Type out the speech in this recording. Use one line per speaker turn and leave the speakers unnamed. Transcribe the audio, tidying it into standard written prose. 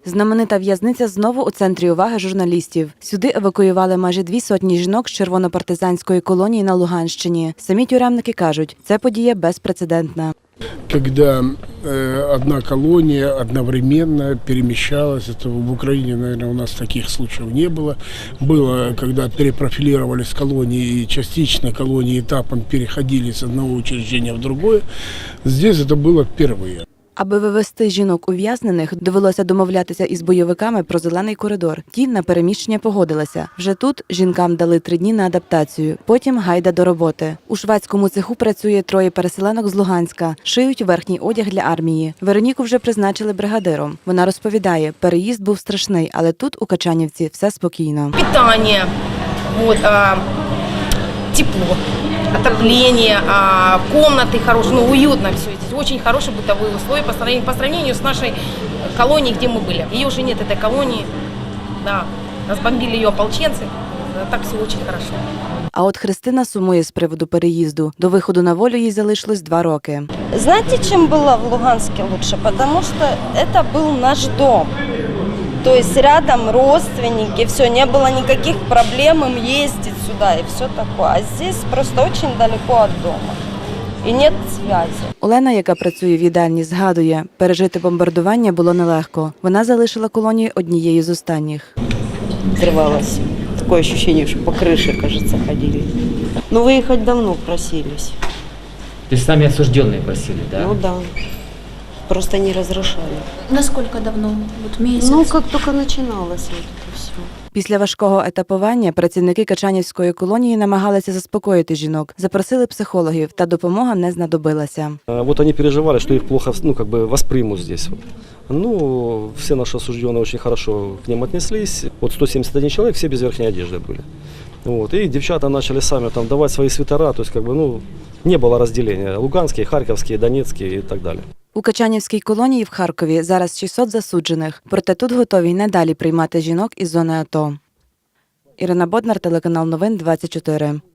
Знаменита в'язниця знову у центрі уваги журналістів. Сюди евакуювали майже 200 жінок з червонопартизанської колонії на Луганщині. Самі тюремники кажуть, це подія безпрецедентна.
Когда одна колония одновременно перемещалась, это в Украине, наверное, у нас таких случаев не было. Было, когда перепрофилировались колонии, и частично колонии этапом переходили с одного учреждения в другое. Здесь это было впервые.
Аби вивезти жінок ув'язнених, довелося домовлятися із бойовиками про зелений коридор. Ті на переміщення погодилися. Вже тут жінкам дали 3 дні на адаптацію. Потім гайда до роботи. У шведському цеху працює 3 переселенок з Луганська. Шиють верхній одяг для армії. Вероніку вже призначили бригадиром. Вона розповідає, переїзд був страшний, але тут, у Качанівці, все спокійно.
Питання, тепло. Отопление, комнаты хорошие, уютно все здесь. Очень хорошие бытовые условия по сравнению с нашей колонией, где мы были. Ее уже нет, этой колонии. Да, разбомбили ее ополченцы. Так все очень хорошо.
А от Христина сумує з приводу переїзду. До виходу на волю їй залишилось 2 роки.
Знаете, чем было в Луганске лучше? Потому что это был наш дом. То есть рядом родственники, все, не было никаких проблем им ездить сюда и все такое. А здесь просто очень далеко от дома. І нет зв'язку.
Олена, яка працює в їдальні, згадує, пережити бомбардування було нелегко. Вона залишила колонію однією з останніх.
Взрывалось. Такое ощущение, что по крыше, кажется, ходили. Но выехать давно просились.
То есть сами осужденные просили, да?
Ну да. Просто не разрешали.
Насколько давно? Вот месяц?
Ну, как только начиналось вот это все.
Після важкого етапування працівники Качанівської колонії намагалися заспокоїти жінок, запросили психологів, та допомога не знадобилася.
Вот они переживали, что их плохо, воспримут здесь. Ну, все наши осужденные очень хорошо к ним отнеслись. Вот 171 человек, все без верхней одежды были. Вот. И девчата начали сами там давать свои свитера, то есть не было разделения. Луганские, Харьковские, Донецкие и так далее.
У Качанівській колонії в Харкові зараз 600 засуджених, проте тут готові й надалі приймати жінок із зони АТО. Ірина Боднар, телеканал Новин 24.